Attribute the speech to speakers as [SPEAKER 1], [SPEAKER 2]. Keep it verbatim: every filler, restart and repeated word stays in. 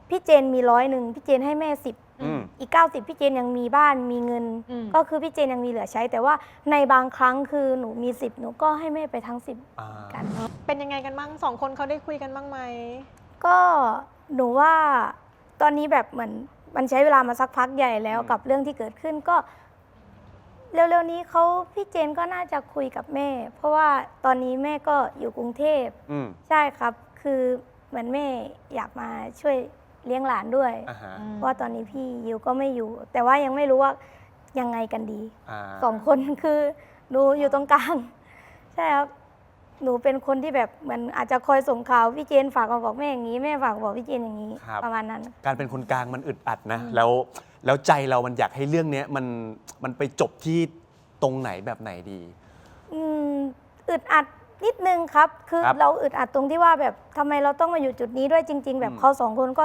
[SPEAKER 1] พี่เจนมีร้อยหนึ่งพี่เจนให้แม่สิบอีกเก้าสิบพี่เจนยังมีบ้านมีเงินก็คือพี่เจนยังมีเหลือใช้แต่ว่าในบางครั้งคือหนูมีสิบหนูก็ให้แม่ไปทั้งสิบกัน
[SPEAKER 2] เป็นยังไงกันบ้างสองคนเขาได้คุยกันบ้างไหม
[SPEAKER 1] ก็หนูว่าตอนนี้แบบเหมือนมันใช้เวลามาสักพักใหญ่แล้วกับเรื่องที่เกิดขึ้นก็เร็วๆนี้เขาพี่เจนก็น่าจะคุยกับแม่เพราะว่าตอนนี้แม่ก็อยู่กรุงเทพใช่ครับคือเหมือนแม่อยากมาช่วยเลี้ยงหลานด้วยเพราะว่าตอนนี้พี่ยิวก็ไม่อยู่แต่ว่ายังไม่รู้ว่ายังไงกันดีสองคนคือหนูอยู่ตรงกลางใช่ครับหนูเป็นคนที่แบบเหมือนอาจจะคอยส่งข่าวพี่เจนฝากมาบอกแม่อย่างนี้แม่ฝากบอกพี่เจนอย่างนี้ประมาณนั้น
[SPEAKER 3] การเป็นคนกลางมันอึดอัดนะแล้วแล้วใจเรามันอยากให้เรื่องนี้มันมันไปจบที่ตรงไหนแบบไหนดี
[SPEAKER 1] อืมอึดอัดนิดนึงครับคือเราอึดอัดตรงที่ว่าแบบทำไมเราต้องมาอยู่จุดนี้ด้วยจริงๆแบบเขาสองคนก็